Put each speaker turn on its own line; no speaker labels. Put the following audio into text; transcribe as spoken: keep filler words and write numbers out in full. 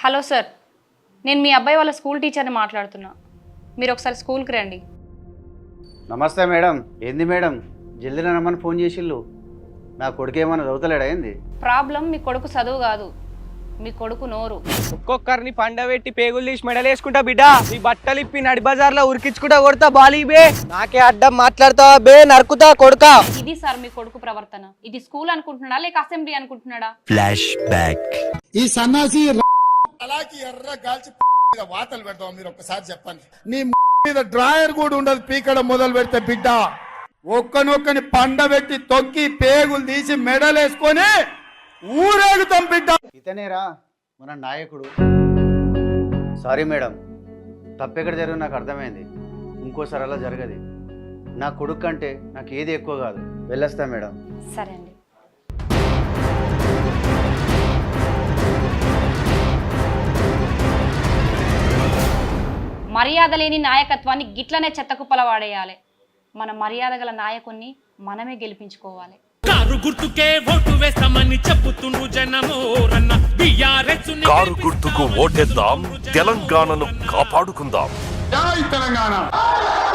Hello sir, నేను మీ అబ్బాయి వాళ్ళ స్కూల్ టీచర్ని మాట్లాడుతున్నా. మీరు ఒకసారి స్కూల్కి రండి.
నమస్తే మేడం. ఏంది మేడం జల్దీ రమ్మని ఫోన్ చేసిళ్ళు? నా కొడుకు ఏమన్నా చదువుతలేడా ఏంది?
ప్రాబ్లం మీ కొడుకు చదువు కాదు, మీ కొడుకు నోరు.
ఒక్కొక్కరిని పండబెట్టి పేగులు తీసి మెడలు వేసుకుంటా బిడ్డ. ఈ బట్టలు ఇప్పి నడి బజార్లో ఉరికించుకుంటా కొడతా బాలీ బే. నాకే అడ్డం మాట్లాడతావా బే, నరుకుతా కొడుకా.
ఇది సార్ మీ కొడుకు ప్రవర్తన. ఇది స్కూల్ అనుకుంటున్నాడా లేక అసెంబ్లీ అనుకుంటున్నాడా?
Flash back.
ఈ సన్నాసి
అలాగే ఎర్ర గాల్చి వాతలు పెడతాం. మీరు ఒక్కసారి చెప్పండి. నీ మీద డ్రాయర్ కూడా ఉండదు పీకడం మొదలు పెడితే బిడ్డ. ఒక్కనొక్కని పండబెట్టి తొక్కి పేగులు తీసి మెడలేసుకొని ఊరేగుతాం బిడ్డ.
ఇతనేరా మన నాయకుడు. సారీ మేడం, తప్పెక్కడ జరిగింది నాకు అర్థమైంది. ఇంకోసారి అలా జరగదు. నా కొడుకు కంటే నాకు ఏది ఎక్కువ కాదు. వెళ్ళొస్తా మేడం.
సరే అండి. మర్యాద లేని నాయకత్వాన్ని గిట్లనే చెత్తకుప్పల వాడేయాలి. మన మర్యాద గల నాయకుణ్ణి మనమే గెలిపించుకోవాలి.
కారు గుర్తుకే ఓటు వేస్తామని చెప్పుతుండు జనము రన్న బిఆర్ఎస్
కారు గుర్తుకు ఓటేద్దాం, తెలంగాణను కాపాడుకుందాం.
జై తెలంగాణ.